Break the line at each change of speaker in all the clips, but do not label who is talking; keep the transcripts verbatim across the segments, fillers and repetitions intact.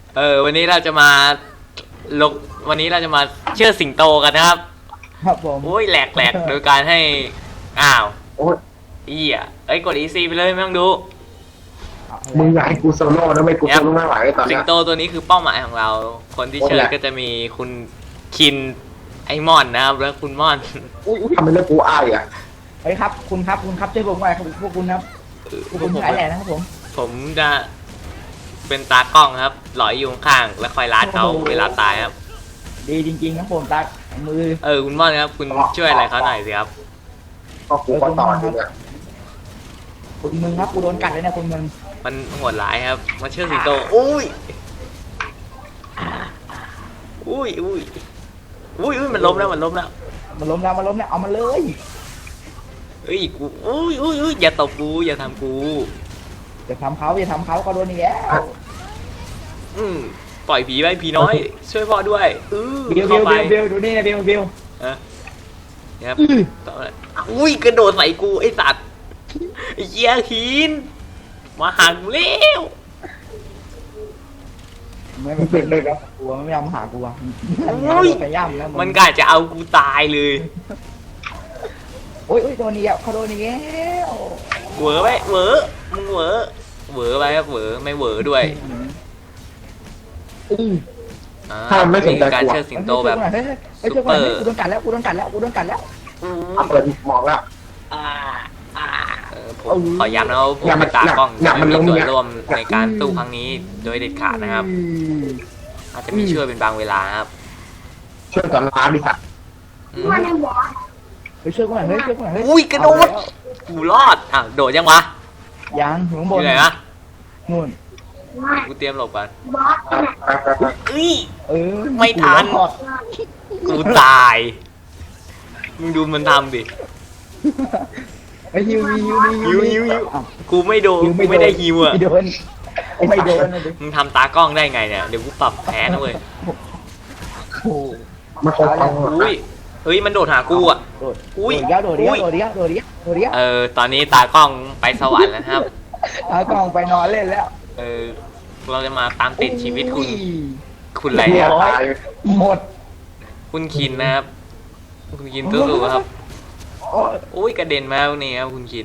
เออวันนี้เราจะมาลงวันนี้เราจะมาเชื่อสิงโตกันนะครับ
ครับผม
โอ้ยแหลกแหลกโดยการให้อ้าว
โอ้ย
อีอ่ะเอ้ยกด อี ซี ไปเลยไม่ต้องดู
มึงอยากให้กูโซโล่นะไม่กูโซโล่ไม่ไหวตอน
สิ
เนี้
ง
ย
โตตัวนี้คือเป้าหมายของเรา คนที่
โอ้ย
เชิญ
แหละ
ก็จะมีคุณคินไอมอนนะครับแล้วคุณม่อน
อุ้ยอุ้ย
ทำไมเลือกกูอ้ายอ่ะ
เฮ้ยครับคุณครับคุณครับช่วยผมหน่อยครับพวกคุณครับพวกคุณสายแหล่นะครับผม
ผมจะเป็นตากล้องครับหลอยอยู่ข้างๆแล้วคอยลาดเขาเวลาตายครับ
ดีจริงๆครับผมตามือ
เออคุณม่อนครับคุณช่วยอะไรเขาหน่อยสิครับ
ก็กูก็ต่ออยู่เนี่ย
คุณมึงครับกูโดนกัดเลยเนี่ยคุณมึง
มันโหดร้ายครับมาเชื่อสิงโตอุ้ยอุ้ยอุ้ยอุ้ยอุ้ยมันล้มแล้วมันล้มแล้ว
มันล้มแล้วมันล้มแล้วเอามาเลย
เอ้ยกูอุ้ยอุ้ยอุ้ยอย่าตบกูอย่าทำกู
อย่าทำเขาอย่าทำเขาก็โดนอีกแล้ว
อืมปล่อยผีไปผีน้อย ช่วยพ่อด้วยอือ
บิวบิ
เข้าว ไป
บิวบิวดูนี่นะบิวบิว
อะครับต่อเลยอุ้ยกระโดดใส่กูไอสัตว์ไอ้เหี้ยหินมาหักเร็ว
ไม่ไม่เป็นเลยครับกลัวไม่ยอมหากูอ่ะไปย่ำแล้ว
มันกะจะเอากูตายเลย
โอ้ยโอ้ยโดนอีกแล้วเขาโดนอีกแล้ว
เหวอไปเหวอมึงเหวอเหวอไปครับเหวอไม่เหวอด้วย
อือ
อ่า
ถ้ามันไม่สนใจ
การ
กู
เชิดสิงโตแบบ
เฮ้ยเฮ้ยเฮ้ยเฮ้ยกูโดนกัดแล้วกูโดนกัดแล้วกูโดนกัดแล้ว
เอาเปิดหมอกแล้ว
อ่าอ่า
เออผมขอย้ำนะว่าผมเป็นตากล้องจะไม่มีส่วนร่วมในการสู้ครั้งนี้โดยเด็ดขาดนะครับ อาจจะมีช่วยเป็นบางเวลาครับ
ช่วยก่อนล้านดิสัตว์
อืม
เฮ้ยช่วยกูหน่อยเฮ้ยช่วยกูหน่อยเฮ้ย
อุ้ยกระโดดกูรอดอ่ะโดดยังวะ
ยังอยู่ข้างบ
อน ยู่ไหนวะ
นู่น
กูเตรียมหลบก่อน
ไปไปไป
เอ้ย
เออ
ไม่ทัน กูตายมึงดูมันทำดิ
ไอ้ฮิวฮิว
ฮิวฮิวฮิว กูไม่โดนกูไม่ได้ฮิวอ่ะ
ไม่โดนไม่โดนนะดิ
มึงทำตากล้องได้ไงเนี่ยเดี๋ยวกูปรับแพ้นะเว้ย
โอ้
มันคงฟัง
อุ้ยเฮ้ยมันโดดหากูอ่ะ
โดด
อุ้ย
โดดเดียวโดดเดียวโดดเดียวโดดเดียวโดดเดียว
เออตอนนี้ตากล้องไปสวรรค์แล้วนะครับ
เอากล้องไปนอนเล่นแล้ว
เออเราจะมาตามติดชีวิตคุณ
อุ้ย
คุณอะไร
เหี้
เนี่ย ย
ตาย
หมด
คุณคินนะครับ คุณคินสู้ๆครับ
โอ้ย
อุ้ยกระเด็นมาแล้วนี่ครับคุณคิน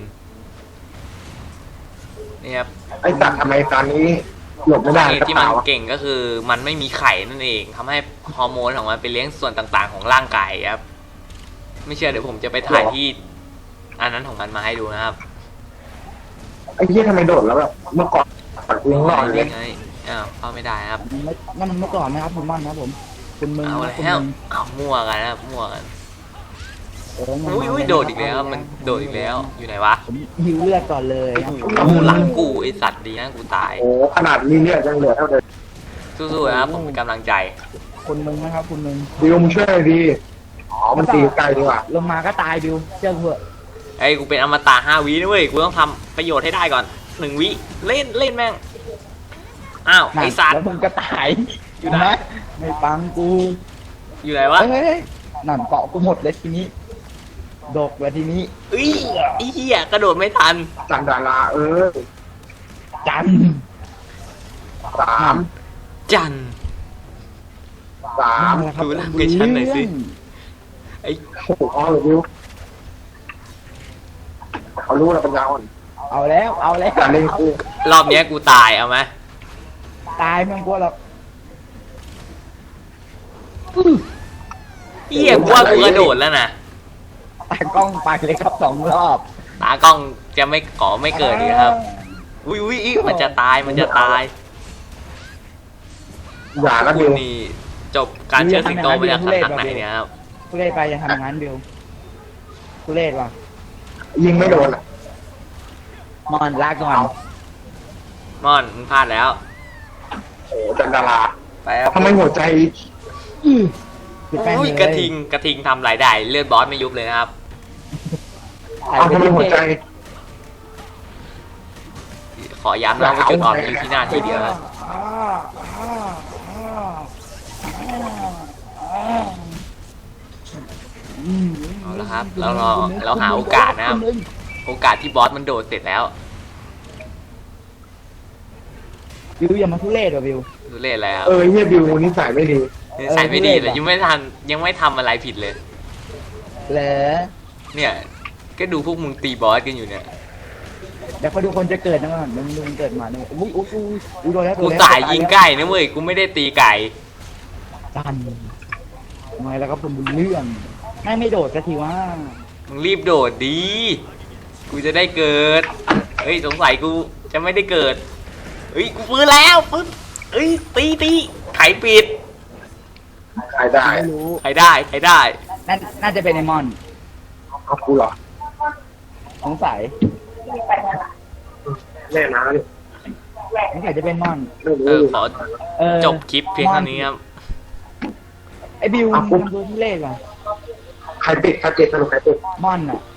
นี่ครับ
ไอ้สัตว์ทำไมตอนนี้หลบไม่ได้
สาเหตุ
กระ
ที่มัน
เป๋า
เก่งก็คือมันไม่มีไข่นั่นเองทำให้ฮอร์โมนของมันไปเลี้ยงส่วนต่างๆ ของร่างกายครับ ไม่เชื่อเดี๋ยวผมจะไปถ่ายที่อันนั้นของมันมาให้ดูนะครับ
ไอ้เหี้ยทำไมโดดแล้วแบบเมื่อก่อนปัดกูยังรอดเลย
ไงอ้าวเข้าไม่ได้ครับ
นั่นมันเมื่อก่อนนะครับคุณม่อนนะครับผมคุณมึง
เอา
นะคุณ
แล้ว
มึง
เอามั่วกันนะครับมั่วกัน
เออมัน
อุ้ย
มา
อุ้ย
เลย
โดดอีกแล้วมันโดดอีกแล้วอยู่ไหนวะ
ผมหิวเลือดก่อนเลยครับ
โอ้โหหลังกูไอสัตว์ดีนะกูตาย
โอ้ขนาดนี้เนี่ยยังเหลือเท่าเดิม
สู้ๆนะครับผมเป็นกำลังใจ
คุณมึงนะครับคุณมึง
ดิวมึงช่วยหน่อยดีอ๋อมันตีไกลดีกว่า
ลงมาก็ตายบิวเชื่อกูเถอะ
ไอ้ยกูเป็นอมตะห้าวินะเว้ยกูต้องทำประโยชน์ให้ได้ก่อนหนึ่งวิเล่นเล่นแม่งอ้าวไอสัต
แล้ว
ว์
มึงก็ตาย
อยู่ไหน
ไม่ฟังกู
อยู่ไหนวะ
เฮ้ยนั่นเกาะกูหมดเลยทีนี้ดกเลยทีนี้
เอ้ยไอ้เหี้ยกระโดดไม่ทัน
จันดาราเออ
จัน
สาม
จัน
สาม
นั่นแหละครับ
ดูร่างกายฉันหน่อยสิ ไอ้
โอ้โหอ๋อเลยดิวเขารู้แล้วปัญญาอ่อน
เอาแล้วเอาแล้ว
การเล่นคู่
รอบเนี้ยกูตายเอาไหม
ตายไม่ต้องกลัวหรอก
เหี้ยกูว่ากูกระโดดแล้วนะ
ตากล้องไปเลยครับสองรอบ
ตากล้องจะไม่ขอไม่เกิดดีครับอุ้ยอุ้ยอุ๊ยมันจะตายมันจะตาย
อย่านะ
คุ
ดิ
ณ
ว
นี่จบการเชิดสิงโตมาจากสำนักไหนเนี่ยครับ
ทุเรศไปอย่าทำอย่างนั้นบิวทุเรศว่ะ
ยิงไม่โดนอ่ะ
มอนลาก่อน
ม่อนมึงพลาดแล้ว
โอ้จันดารา
ไปครับ
ทำไมหัวใจ
ปิดแป้ง
อุ้ย
เลย
กระทิงกระทิงทำรายได้เลือดบอสไม่ยุบเลยนะครับ
เอาทำไมหัวใจ
ขอย้ำนะว่าจุดอ่อนอยู่ที่หน้าที่เดียวนะ เอาละครับเรารอเราหาโอกาสนะครับ โอกาสที่บอสมันโดดเสร็จแล้ว
บิวอย่ามาทุเรศว่ะบิว
รทุเรศอะไรครับ
เออเฮียบิวนิสัยไม่ดี
นิสัยไม่ดีเลยยังไม่ทันยังไม่ทำอะไรผิดเลย
เหรอ
เนี่ย ก็ดูพวกมึงตีบอสกันอยู่เนี่ย
เดี๋ยวพอดูคนจะเกิดนะมันมึงดูมันเกิดมาเนี่ยอุ้ยอุ้ยอุ้ยอุ้ยโดนแล้วโด
กู
นแล้ว
สายยิงไก่นะเว้ยกูไม่ได้ตีไก่
ดันทำไมแล้วก็เป็นเรื่องไม่ไม่โดดสักทีว่า
มึงรีบโดดดี กูจะได้เกิด เฮ้ยสงสัยกูจะไม่ได้เกิด เฮ้ยกูฟื้นแล้วฟื้นเฮ้ยตีตีไขปิด
ใครได้
ไม่รู้
ใครได้ใครได้
น่าน่าจะเป็นไอมอน
เอากูเหรอ
สงสัย
แน่นะนี่
สงสัยจะเป็นมอน
ไม่รู้
เออขอ
เออ
จบคลิปเพียงเท่านี้ครับ
ไอบิวมันทำตัวที่เล่ห์ว่ะ
ใครปิดใครปิดสรุปใครปิด
มอนอ่ะ